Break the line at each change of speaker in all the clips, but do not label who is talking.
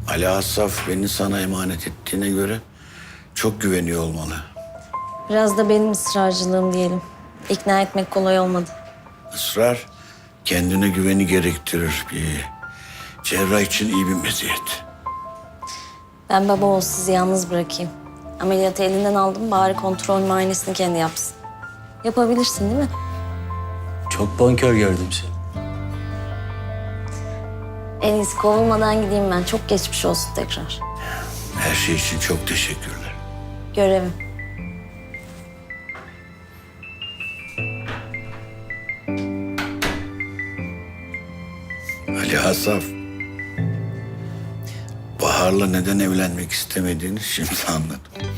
Ali Asaf beni sana emanet ettiğine göre çok güveniyor olmalı.
Biraz da benim ısrarcılığım diyelim. İkna etmek kolay olmadı.
Israr kendine güveni gerektirir bir cerrah için iyi bir meziyet.
Ben baba ol sizi yalnız bırakayım. Ameliyatı elinden aldım, bari kontrol muayenesini kendi yapsın. Yapabilirsin değil mi?
Çok bonkör gördüm seni.
En iyisi kovulmadan gideyim ben. Çok geçmiş olsun tekrar.
Her şey için çok teşekkürler.
Görevim.
Ali Asaf, Bahar'la neden evlenmek istemediğini şimdi anladım.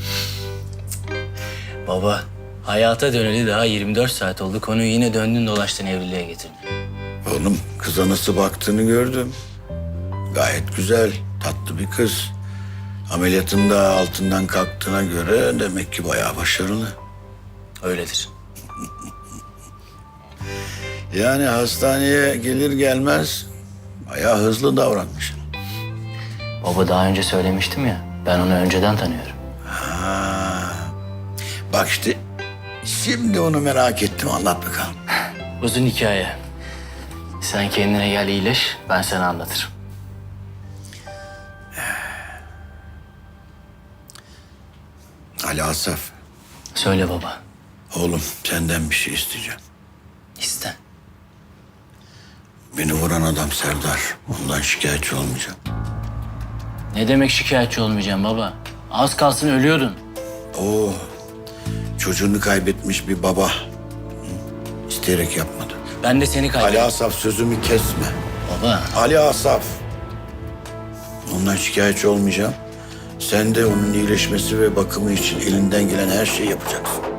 Baba, hayata döneli daha 24 saat oldu. Konuyu yine döndün dolaştın evliliğe getirdin.
Oğlum kıza nasıl baktığını gördüm. Gayet güzel, tatlı bir kız. Ameliyatın da altından kalktığına göre demek ki bayağı başarılı.
Öyledir.
Yani hastaneye gelir gelmez bayağı hızlı davranmış.
Baba daha önce söylemiştim ya, ben onu önceden tanıyorum.
Ha. Bak işte şimdi onu merak ettim, anlat bakalım.
Uzun hikaye. Sen kendine gel iyileş, ben sana anlatırım.
Ali Asaf,
Söyle baba,
oğlum senden bir şey isteyeceğim.
iste.
Beni vuran adam Serdar, ondan şikayetçi olmayacağım.
Ne demek şikayetçi olmayacağım baba? Az kalsın ölüyordun.
O çocuğunu kaybetmiş bir baba. Hı, İsteyerek yapmadı.
Ben de seni
Ali
kaybettim.
Asaf, sözümü kesme.
Baba,
Ali Asaf. Ondan şikayetçi olmayacağım. Sen de onun iyileşmesi ve bakımı için elinden gelen her şeyi yapacaksın.